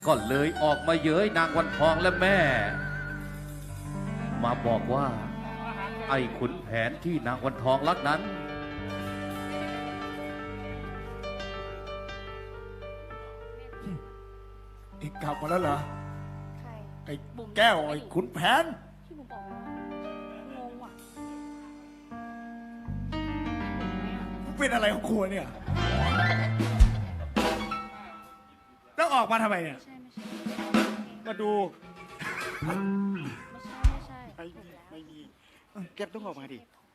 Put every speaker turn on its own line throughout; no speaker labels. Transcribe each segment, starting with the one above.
ก็เลยออกมาเย้ยนางวันทองและแม่ มาบอกว่าไอ้ขุนแผนที่นางวันทองรักนั้น
อีกกลับมาแล้วเหรอ
ใคร
ไอ้แก้วไอ้ขุนแผน
ที่บุ๋มบอกงงว่ะ
มึงเป็นอะไรของครัวเนี่ยแล้วออกมาทำไมเนี่ย
ไม่ใช่ไม่ใช่
มาดู
ไม่ใช่
ไม่
ถูก
มี
แล้ว
ไม่มีเก็บต้องออกมาดิ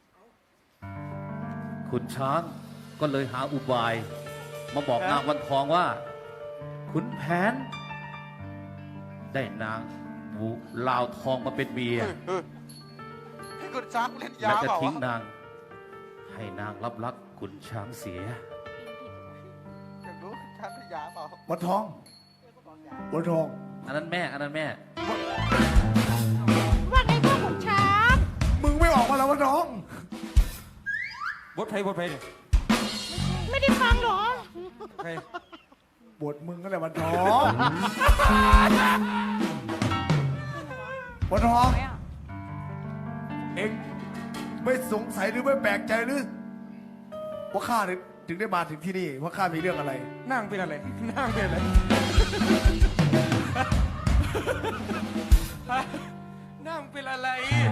ขุนช้างก็เลยหาอุบาย มาบอกนางวันทองว่า ขุนแผน ได้นางบุลาวทองมาเป็นเมีย
ให้คุณช้างเล่นยา
และจะ
เปล่า
ทิ้ง
วะ
นาง ให้นางรับรักขุนช้างเสีย
อยากรู้คุณช้างเล่นยาเปล่า
วันทองวันทอง
อันนั้นแม่ อันนั้นแม่
ว่าไงพ่อขุนช้าง
มึงไม่ออกมาแล้ววันทอง
บทเพลงเนี่ย
ไม่ได้ฟังเหรอ
ใคร
บทมึงก็แหละวันทองวันทอง เองไม่สงสัยหรือไม่แปลกใจหรือว่าข้าถึงได้มาถึงที่นี่ว่าข้ามีเรื่องอะไร
นั่งเป็นอะไร นั่งเป็นอะไรนั่งเป็นอะไร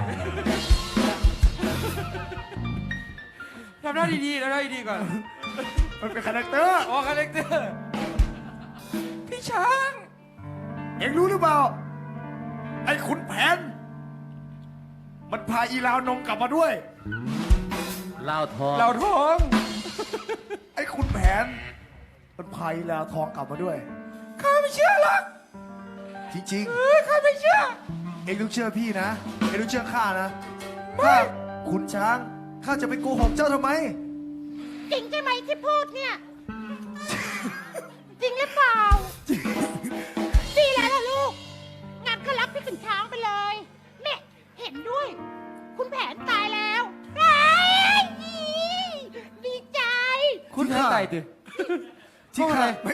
ทำหน้าดีๆทำหน้าดีๆก่อน
มันเป็นคาแรคเตอร์
ออกคาแรคเตอร์พี่ช้าง
เองรู้หรือเปล่า ไอ้ขุนแผน มันพาอีลาวนงกลับมาด้วย
ลาวทอง
เราท้อง
ไอ้ขุนแผน มันพาอีลาวทองกลับมาด้วย
ข้าไม่เชื่อหรอก
จริง
ข้าไม่เชื่อ
ๆ เองต้องเชื่อพี่นะ เองต้องเชื่อข้านะข้าขุนช้าง ข้าจะไปโกหกเจ้าทำไม
จริงใช่ไหมที่พูดเนี่ย จริงหรือเปล่า ดีแล้วล่ะลูก งานก็รับพี่ขุนช้างไปเลยแม่เห็นด้วย คุณแผนตายแล้วเฮ้ยดีใจ
คุณให้ตายตือ
ที่ข้าไม่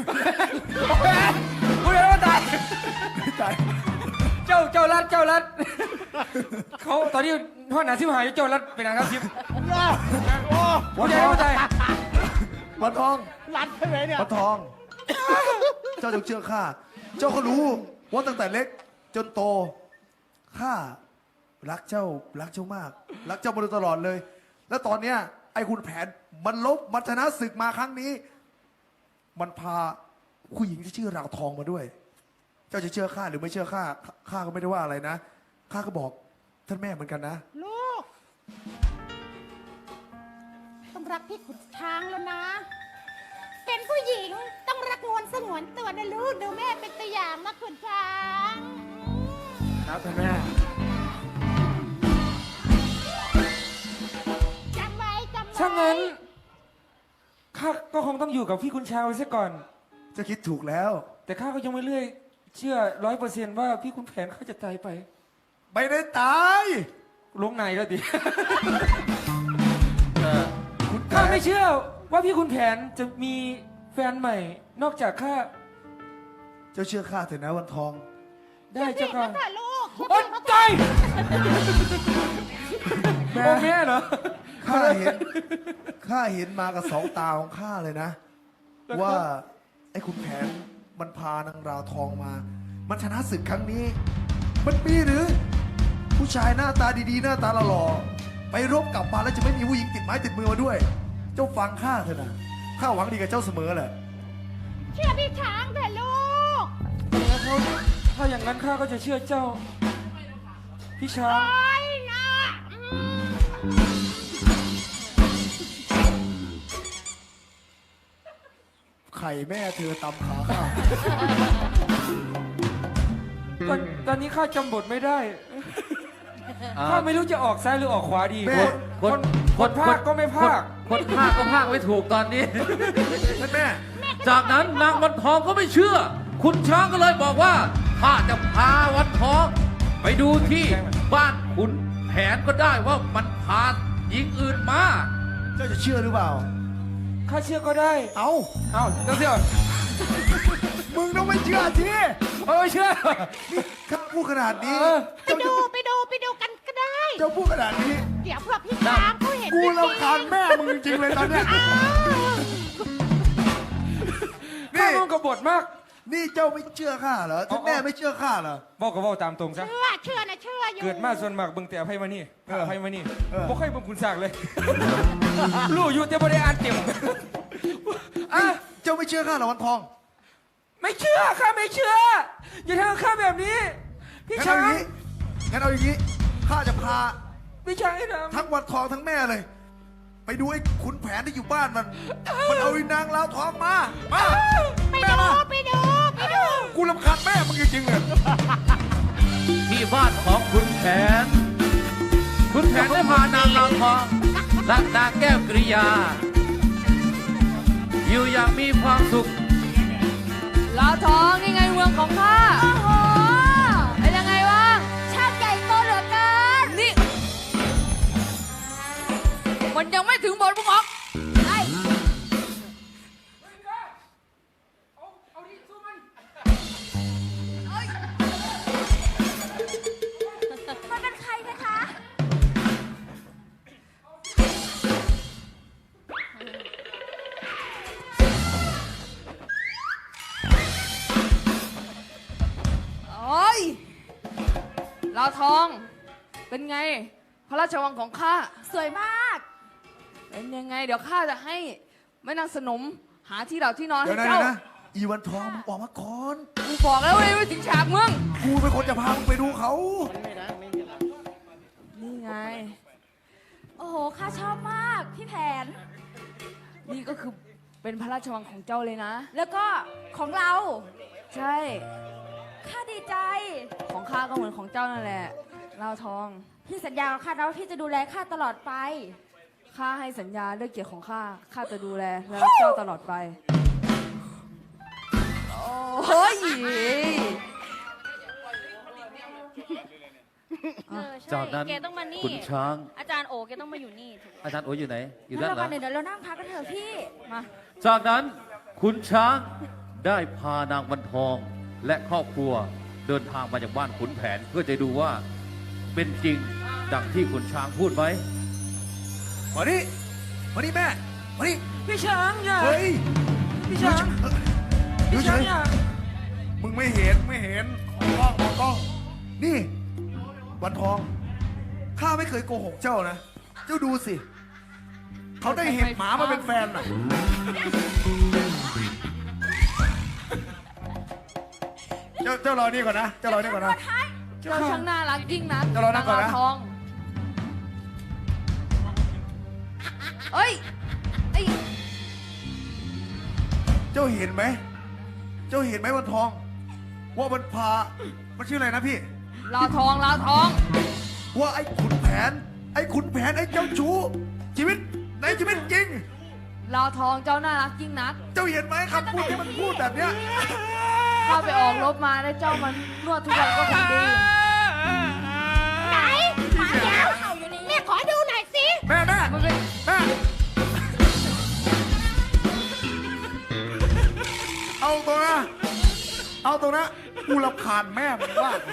คุณให้ว่าตาย
ไม่ตาย
เจ้ารัดเขาตอนนี้พ่อหนาซิมหายเจ้ารัดเป็นนางครับซิมคุณให้ว่าตาย
วันทอง
รัดใช่ไหมเนี่ย
วันทอง เจ้าจงเชื่อข้า เจ้าก็รู้ว่าตั้งแต่เล็กจนโต ข้ารักเจ้ามาก รักเจ้ามาโดยตลอดเลย แล้วตอนเนี้ยไอ้คุณแผนมันชนะศึกมาครั้งนี้ มันพาผู้หญิงที่ชื่อราวทองมาด้วย เจ้าจะเชื่อข้าหรือไม่เชื่อข้า ข้าก็ไม่ได้ว่าอะไรนะ ข้าก็บอกท่านแม่เหมือนกันนะ
ลูก ต้องรักพี่ขุนช้างแล้วนะ เป็นผู้หญิงต้องรักงวนสงวนตัวนะลูกดูแม่เป็นตัวอย่างนะขุนช้าง
ครับท่านแม่
จำไว้จำไว้
ถ้างั้นข้าก็คงต้องอยู่กับพี่คุณชาวไว้ซะก่อน
เจ้าคิดถูกแล้ว
แต่ข้าก็ยังไม่เลื่อยเชื่อ100%ว่าพี่คุณแผนเขาจะตายไป
ไม่ได้ตาย
ลงในแล้วดิ
คุณแผ
ข้าน ไม่เชื่อว่าพี่คุณแผนจะมีแฟนใหม่ นอกจากข้า
เจ้าเชื่อข้าเถอะนะวันทอง
ได้เจ้าค่ะ
เถอะลูก
โอ๊ยใจโอ้แม่เหรอ
ข้าเห็นมากับสองตาของข้าเลยนะ
แล้วก็
ว่าไอ้คุณแผนมันพานางราวทองมา มันชนะศึกครั้งนี้ มันมีหรือ ผู้ชายหน้าตาดีๆ หน้าตาหล่อๆไปรบกลับมาแล้วจะไม่มีผู้หญิงติดไม้ติดมือมาด้วย เจ้าฟังข้าเถอะนะข้าหวังดีกับเจ้าเสมอแหละ
เชื่อพี่ช้างเถอะลูก
ถ้าอย่างนั้นข้าก็จะเชื่อเจ้า พี่ช้าง
โอ้ยนะ
ไข่แม่เธอตำขาข้า
ตอนนี้ข้าจำบทไม่ได้
อ่า
ข้าไม่รู้จะออกซ้ายหรือออกขวาดี คนภาคก็ไม่ภาค
คนภาคก็ภาคไม่ถูกตอนนี้
ท่านแม่
จากนั้นนางวันทองก็ไม่เชื่อ ขุนช้างก็เลยบอกว่าข้าจะพาวันทอง ไปดูที่บ้านขุนแผนก็ได้ว่ามันพาหญิงอื่นมา
เจ้าจะเชื่อหรือเปล่า
ข้าเชื่อก็ได้
เอา
เอ้าเจ้าเชื่อ
มึงต้องไม่เชื่อสิ
เออเชื่อ
นี่ข้าพูดขนาดนี้
เออ
ไปดูกันก็ได้
เจ้าพูดขนาดนี้
เดี๋ยวเพื่อพี่ช้างเขาเห็น
กู
จริง
รำคาญแม่มึงจริงๆเลยตอนเนี้ย
อ้าว
ข้า
นี่
มันกบฏมาก
นี่เจ้าไม่เชื่อข้าเหรอถ้าแม่ไม่เชื่อข้าเหรอ
บอกก็บอกตามตรงซะ
เชื่ออยู่
เกิดมาส่วนมากเบิ่งแต่ไพ่มานี่ไพ่มานี่
เออ
บ่ค่อยเบิ่งคุณสากเลย รู้อยู่แต่บ่ได้อ่านเต็มอ่ะ
เจ้าไม่เชื่อข้าเหรอวันทอง
ไม่เชื่อข้าไม่เชื่อ อย่าทำกับข้าแบบนี้ พี่
งั้น
ช้า
เอา
ง
อย่างนี้งั้นเอาอย่างนี้ข้าจะพา
พี่ช้างให้ท
ทั้งวันทองทั้งแม่เลย ไปดูไอ้ขุนแผนที่อยู่บ้านมัน มันเอาไอ้นางลาวทองมามาแม่มา
ไปดู
กูรำคาญแม่มึงจริงๆเลย
ที่บ้านของคุณแผน คุณแผนได้พานางลาวทองและนางแก้วกริยา อยู่อย่างมีความสุข
ลาวทองนี่ไงเมืองของข้า โอ้โห เป็นยังไงบ้างช่างใหญ่โตเหลือเกิน นี่ มันยังไม่ถึงบทพวกออกไอ้
เอาดิสู้มัน
มันเป็นใครนะคะ โอ้ยลาวทอง เป็นไง พระราชวังของข้า สวยมาก เป็นยังไง เดี๋ยวข้าจะให้แม่นางสนมหาที่หลับที่นอน
เดี๋ย
ให้
วนะ
เจ้า
อีวันทองมึงออกมาก่อน
กูบอกแล้วเลยว่าถึงฉากมึง
กูเป็นคนจะพามึงไปดูเขา
นี่ไง
โอ้โห ข้าชอบมาก พี่แผน
นี่ก็คือเป็นพระราชวังของเจ้าเลยนะ
แล้วก็ของเรา
ใช่
ข้าดีใจ
ของข้าก็เหมือนของเจ้านั่นแหละลาวทอง
พี่สัญญากับข้านะว่าพี่จะดูแลข้าตลอดไป
ข้าให้สัญญาด้วยเกียรติของข้า ข้าจะดูแลและรักเจ้าตลอดไป โอ้ย
จากนั้น
แกต้องมานี่
ขุนช้าง
อาจารย์โอแกต้องมาอยู่นี่ถูก
อาจารย์โออยู่ไหน อยู่
งั้
ด้าน น
เรา
หลั
มาง เดี๋ยวเรานั่งพักกันเถอะพี่
มา
จากนั้นขุนช้างได้พานางวันทองและครอบครัวเดินทางมาจากบ้านขุนแผน เพื่อจะดูว่าเป็นจริงดังที่ขุนช้างพูดไหม
มานี่มานี่แม่ มานี่
พี่ช้างอย่า
เฮ้ย
พี่ช้าง
ดู
พี่
เฉ
ช้าง
ย
อย่า
มึงไม่เห็นไม่เห็นมองกล้อง นี่ วันทอง ข้าไม่เคยโกหกเจ้านะ เจ้าดูสิ เขาได้เห็นหมามาเป็นแฟนน่ะ เจ้ารอนี่ก่อนนะ เจ้ารอนี่ก่อนนะ
เจ้าช่างน่ารักยิ่งนัก
เดี๋ยวเรานั่งก่อนนะ
ลาวทอง เอ้ยไอ้
เจ้าเห็นไหม เจ้าเห็นไหมวันทอง ว่ามันพา มันชื่ออะไรนะพี่
ลาวทองลาวทอง
ว่าไอ้ขุนแผน ไอ้ขุนแผนไอ้เจ้าชู้ ชีวิตในชีวิตจริง
ลาวทองเจ้าน่ารักยิ่งนัก
เจ้าเห็นไหมคำพูดที่มันพูดแบบเนี้ย
ข้าไปออกรบมาได้เจ้ามันนวดทุกวันก็ทำดี
ไหนหมาเดี๋ยวแม่ขอดูหน่อยสิ
แม่แม่
มันเป็น
แม่เอาตรงนะ เอาตรงนะ กูรำคาญแม่มึงมาก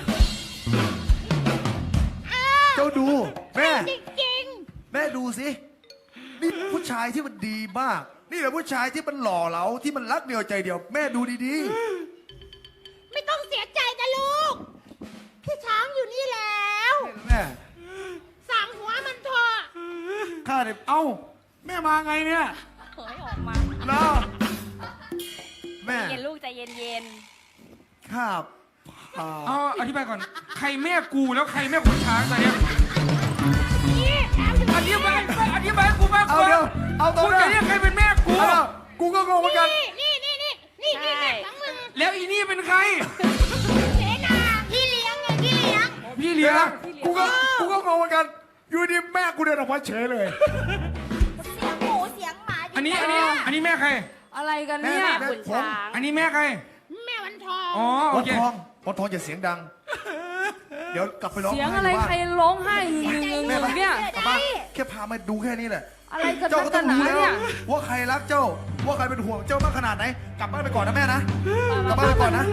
เจ้าดู แม่
จริง
แม่ดูสิ นี่ผู้ชายที่มันดีมาก นี่แหละผู้ชายที่มันหล่อเหลาที่มันรักเดียวใจเดียว แม่ดูดี
ๆ ไม่ต้องเสียใจนะลูก พี่ช้างอยู่นี่แล้ว
ๆ แม่
สั่งหัวมันเถอะ
ข้าเนี่ยเอ้า แม่มาไงเนี่ย
เฮ้ยออกมา
เนาะแม่
เย็นลูกใจเย็น
ข้าพา
เอาอธิบายก่อน ใครแม่กูแล้วใครแม่ขุนช้างตอนเนี้ย
นี่แอบอยู่
อธิบายกูมากก
เอา
ว่า
เดี๋ยวเอาตรง
กู
นะ
จะเรียกใครเป็นแม่กู
เอากูก็งงเหมือนกัน
นี่แม่ของมึง
แล้วอีนี่เป็นใคร
เสนาพี่เลี้ยงไงพี่เลี้ยง
พี่เลี้ยง
กูก็งงเหมือนกัน อยู่ดีแม่กูเดินออกมาเฉยเลย
ๆ เสียงหมูเสียงหมา
อันนี้แม่ใคร
อะไรกันเนี่ย
แม่
ขุนช้าง
อันนี้แม่ใคร
แม่วันทอง
อ๋อโอ
วัน
เค
ทองอย่าเสียงดัง เดี๋ยวกลับไปร้อง
เสียง
ไห้
อะไร
บ้าน
ใครร้องไห้หึง
แม่
ๆเนี่ย
กลับบ้านแค่พามาดูแค่นี้แหละ
อะไรกัน
เจ้า
นั
ก็
ก
ต้
กั
อน ง
หนา
รู้แล้ว
เนี่ย
ว่าใครรักเจ้า ว่าใครเป็นห่วงเจ้ามากขนาดไหน กลับบ้านไปก่อนนะแม่นะ กลับบ้านไปก่อนนะ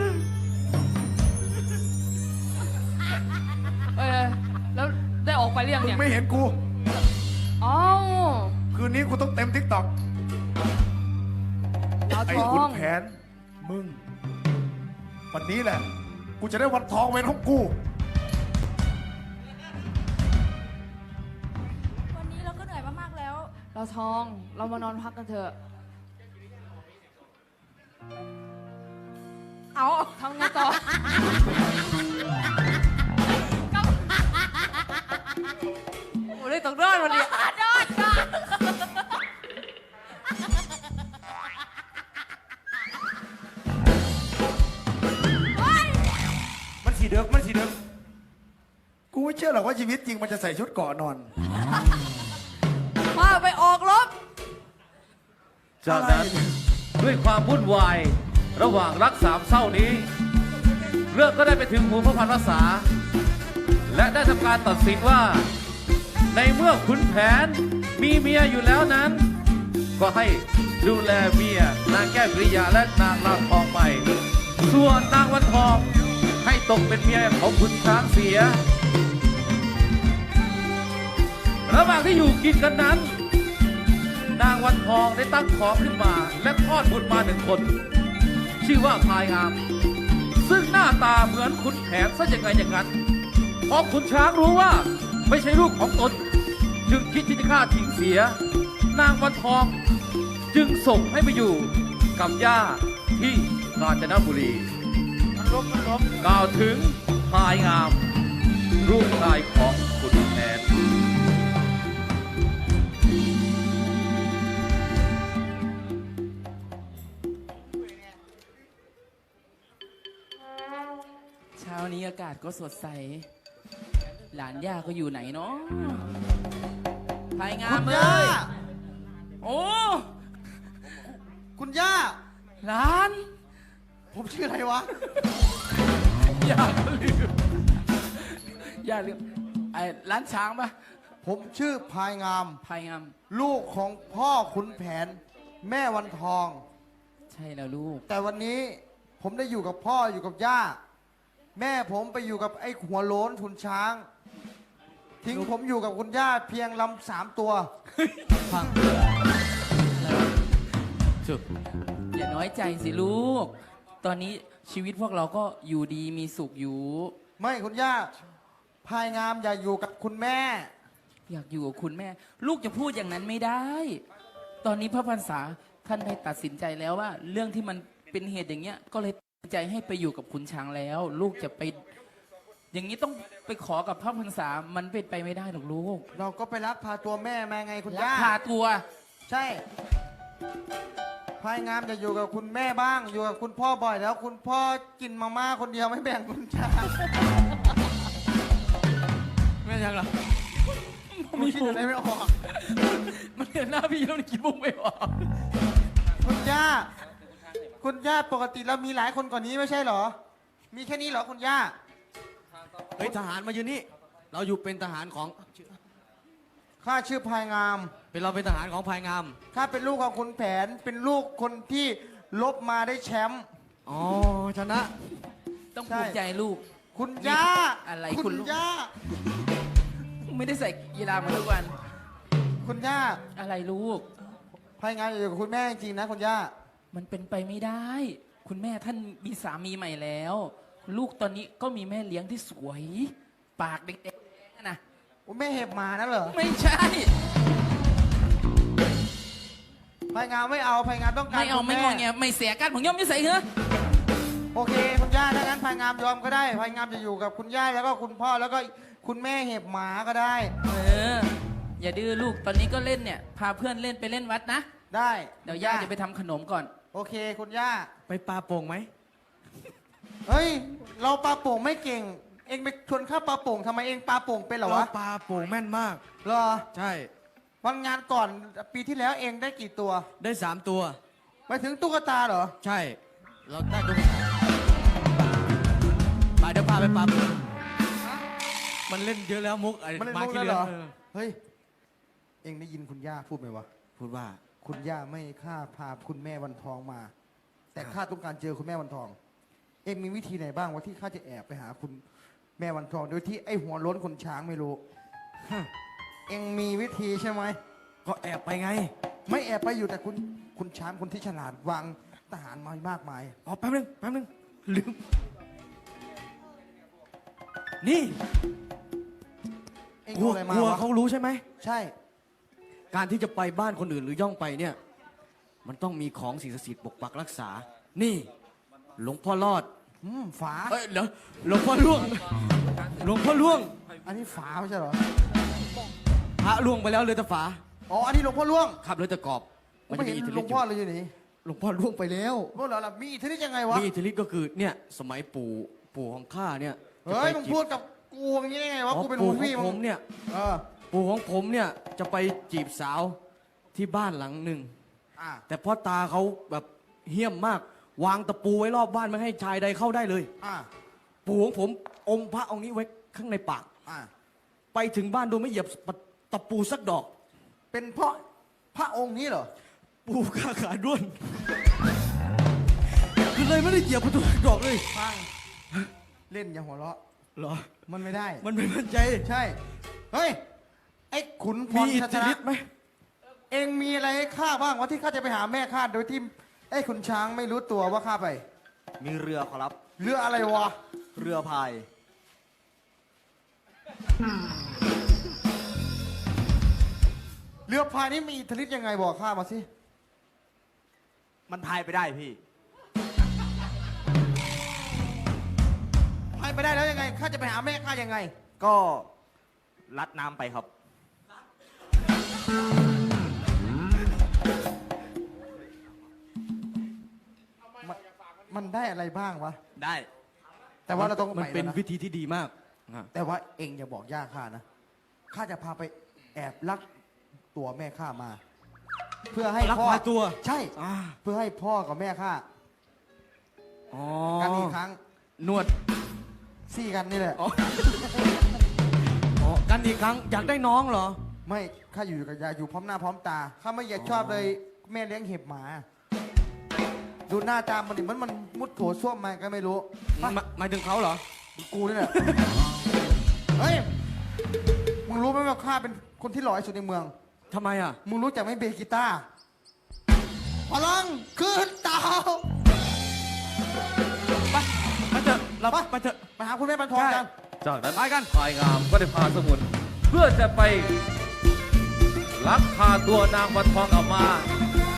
แล้วได้ออกไปหรือยัง
มึง
เนี่ย
ไม่เห็นกู
อ๋อ
คืนนี้กูต้องเต็มทิกตอก
ดาว
ไอ้
ทอ
ขุน
ง
แผน มึง วันนี้แหละ กูจะได้วันทองเป็นของกู
วันนี้เราก็เหนื่อยมากๆแล้ว
ดาวทอง เรามานอนพักกันเถอะ
เอา
ทำไงต่อ โอ้ได้ต้องรอดวันนี้
โดนก่อน
มันสีเดือกมันสีเดือก
กูไม่เชื่อหรอกว่าชีวิตจริงมันจะใส่ชุดเกราะนอน
มาไปออกรบ
จากนั้นด้วยความวุ่นวายระหว่างรักสามเศร้านี้ เรื่องก็ได้ไปถึงหูพระพันวษา และได้ทำการตัดสินว่า ในเมื่อขุนแผนมีเมียอยู่แล้วนั้น ก็ให้ดูแลเมียนางแก้วกริยาและนางลางทองไป ส่วนนางวันทองให้ตกเป็นเมียของขุนช้างเสีย ระหว่างที่อยู่กินกันนั้น นางวันทองได้ตั้งท้องขึ้นมาและคลอดบุตรมาหนึ่งคน ชื่อว่าพายงาม ซึ่งหน้าตาเหมือนขุนแผนซะอย่างไงอย่างนั้นพอขุนช้างรู้ว่าไม่ใช่ลูกของตน จึงคิดที่จะฆ่าทิ้งเสีย นางวันทองจึงส่งให้ไปอยู่กับย่าที่กาญจนบุรี
มันล้ม
กล่าวถึงพายงามลูกชายของขุนแผน
เช้านี้อากาศก็สดใส หลานย่าก็อยู่ไหนเนาะภายงามเลย โอ้
คุณย่า
หลาน
ผมชื่ออะไรวะ
อย่าลืมอย่าลืมไอ้ร้านช้างปะ
ผมชื่อพายงาม
ภายงาม
ลูกของพ่อขุนแผน แม่วันทอง
ใช่แล้วลูก
แต่วันนี้ผมได้อยู่กับพ่ออยู่กับย่า แม่ผมไปอยู่กับไอ้หัวโล้นทุนช้าง ทิ้งผมอยู่กับคุณย่าเพียงลำ3 ตัว
ฟังจุดอย่าน้อยใจสิลูก ตอนนี้ชีวิตพวกเราก็อยู่ดีมีสุขอยู่
ไม่คุณย่า พายงามอย่าอยู่กับคุณแม่
อยากอยู่กับคุณแม่ ลูกจะพูดอย่างนั้นไม่ได้ ตอนนี้พระพรรษาท่านได้ตัดสินใจแล้วว่า เรื่องที่มันเป็นเหตุอย่างเงี้ย ก็เลยตัดสินใจให้ไปอยู่กับคุณช้างแล้ว ลูกจะไป อย่างนี้ต้องไปขอกับพระพรรษามันเป็นไปไม่ได้หรอกลูก
เราก็ไปลักพาตัวแม่มาไงคุณ
ลัก
ย่า
พาตัว
ใช่ พายงามจะอยู่กับคุณแม่บ้าง อยู่กับคุณพ่อบ่อยแล้ว คุณพ่อกินมาม่าคนเดียวไม่แบ่งคุณช้าง
ไม่ยังหรอ
ผมคิดอะไรไม่ออก
มันเห็นหน้าพี่แล้วนี่คิดมุกไม่ออก
คุณย่า คุณย่าปกติเรามีหลายคนกว่านี้ไม่ใช่เหรอ มีแค่นี้เหรอคุณย่า
เฮ้ยทหารมายืนนี่ เราอยู่เป็นทหารของ
ข้าชื่อพายงาม
เป็นเราเป็นทหารของภายงาม
ข้าเป็นลูกของคุณแผน เป็นลูกคนที่ลบมาได้แชมป์
อ๋อชนะ
ต้อง
ใช่
ภูมิใจลูก
คุณย่า
อะไร
คุ
คุณ
ณ
ลูก
ย่า
ไม่ได้ใส่กีฬามาทุกวัน
คุณย่า
อะไรลูก
พายงามอยู่กับคุณแม่จริงๆนะคุณย่า
มันเป็นไปไม่ได้ คุณแม่ท่านมีสามีใหม่แล้ว ลูกตอนนี้ก็มีแม่เลี้ยงที่สวย ปากเด็กๆนะ
แม่เห็บหมานะเหรอ
ไม่ใช่
พายงามไม่เอาพายงามต้องการ
ไม่เอา
คุณ
ไม่
แ
งอแงไม่เสียกันผมย่อมไม่ใส่เหรอ
โอเคคุณย่าถ้างั้นพายงามยอมก็ได้พายงามจะอยู่กับคุณย่าแล้วก็คุณพ่อแล้วก็คุณแม่เห็บหมาก็ได้
เออ อย่าดื้อลูกตอนนี้ก็เล่นเนี่ย พาเพื่อนเล่นไปเล่นวัดนะ
ได้
เดี๋ยวย่าจะไปทำขนมก่อน
โอเคคุณย่า
ไปปลาโป่งไหม
เฮ้ย เราปลาโป่งไม่เก่ง เองไปชวนข้าปลาโป่งทำไมเองปลาโป่งเป็นเหรอ
เรา
วะ
ปลาโป่งแม่นมาก
เหรอ
ใช่
วันงานก่อนปีที่แล้วเองได้กี่ตัว
ได้3 ตัว
ไปถึงตุ๊กตาเหรอ
ใช่ เราได้ดูไปเดี๋ยวพาไปปลาโป่งมันเล่นเยอะแล้วมุกไอ้
มันเล่น
มา
มุก
ขี้
แล้ว
เลื
เหร
อ
อ เฮ้ยเองได้ยินคุณย่าพูดไหมวะ
พูดว่า
คุณย่าไม่ให้ข้าพาคุณแม่วันทองมา แต่ข้าต้องการเจอคุณแม่วันทอง เองมีวิธีไหนบ้างวะที่ข้าจะแอบไปหาคุณแม่วันทอง โดยที่ไอ้หัวโล้นคนช้างไม่รู้ เองมีวิธีใช่ไหม
ก็แอบไปไง
ไม่แอบไปอยู่แต่คุณช้างคนที่ฉลาดวางทหารมามากมาย
อ๋อแป๊บนึงลืม นี่
เอง
กลัว
เอาอะไรมาก
ลัว
วะ
เขารู้ใช่ไหม
ใช่
การที่จะไปบ้านคนอื่นหรือย่องไปเนี่ย มันต้องมีของสิ่งศักดิ์สิทธิ์ปกปักรักษา นี่ หลวงพ่อรอด
ฝา
เอ้ยเดี๋ยวหลวงพ่อล่วง หลวงพ่อล่วง
อันนี้ฝาไม่ใช่เหรอ
พระล่วงไปแล้วเลยแต่ฝา
อ๋อ อันนี้หลวงพ่อล่วง
ขับเลยแต่กรอบ
ผมไม่เห็นหลวงพ่อเลยอยู่นี่
หลวงพ่อล่วงไปแล้ว
พวกเราล่ะมีอิทธิฤทธิ์ยังไงวะ
มีอิทธิฤทธิ์ก็คือเนี่ยสมัยปู่ของข้าเนี่ย
เฮ้ย
จะไป
มึงพูดกับกูอย่างนี้ได้ไงวะ
อ๋อ
กูเป็น
ปู่
หุ่น
ของ
พี่
ผมเนี่ย
เออ
ปู่ของผมเนี่ยจะไปจีบสาวที่บ้านหลังหนึ่ง
อ่ะ
แต่พ่อตาเขาแบบเหี้ยมมาก วางตะปูไว้รอบบ้านไม่ให้ชายใดเข้าได้เลย
อ่ะ
ปู่ของผมองค์พระองค์นี้ไว้ข้างในปาก
อ่ะ
ไปถึงบ้านโดยไม่เหยียบตะปูสักดอก
เป็นเพราะพระองค์นี้เหรอ
ปู่ข้าขาด้วนคือเลยไม่ได้เหยียบประตูสักดอกเลย
ฟัง เล่นอย่าหัวเราะ
เหรอ
มันไม่ได้
มันไม่มั่นใจ
ใช่ เฮ้ย ไอ้ขุนพ
มี
ร
อิท
ชั
ธิ
ชนะ
ฤทธิ์ไหม
เองมีอะไรให้ข้าบ้างวะที่ข้าจะไปหาแม่ข้าโดยที่ไอ้ขุนช้างไม่รู้ตัวว่าข้าไป
มีเรือขอรับ
เรืออะไรวะ
เรือพาย
เรือพายนี่มีอิทธิฤทธิ์ยังไงบอกข้ามาสิ
มันพายไปได้พี่
พายไปได้แล้วยังไง ข้าจะไปหาแม่ข้ายังไง
ก็ลัดน้ำไปครับ
มันได้อะไรบ้างวะ
ได้
แต่ว่าเราต้อง
มัน
ไป
เป็น
แล้วนะ
วิธีที่ดีมากอ่ะ
แต่ว่าเองอย่าบอกย่าข้านะ ข้าจะพาไปแอบลักตัวแม่ข้ามา เพื่อให้
ลัก
พ่อ
พาตัว
ใช่
อ่า
เพื่อให้พ่อกับแม่ข้า
อ๋อ
กันอีกครั้ง
นวด
ซี่กันนี่แหละ
อ๋อ อ๋อกันอีกครั้งอยากได้น้องเหรอ
ไม่ ข้าอยู่กับยายอยู่พร้อมหน้าพร้อมตา ข้าไม่อยากชอบเลยแม่เลี้ยงเห็บหมา ดูหน้าตามันดิมันมุดโถส้วมมาก็ไม่รู้
หมายถึงเขาเหรอ
กูนี่แหละ เฮ้ย มึงรู้ไหมว่าข้าเป็นคนที่หล่อที่สุดในเมือง
ทำไมอ่ะ
มึงรู้จักไหมเบสกีตาร์พลังขึ้นเตา
ไปเถอะเราไปเถอะ
ไปหาคุณแม่บรรทองกัน
จากนั้นพายงามก็ได้พาสมุน เพื่อจะไปลักพาตัวนางวันทองออกมา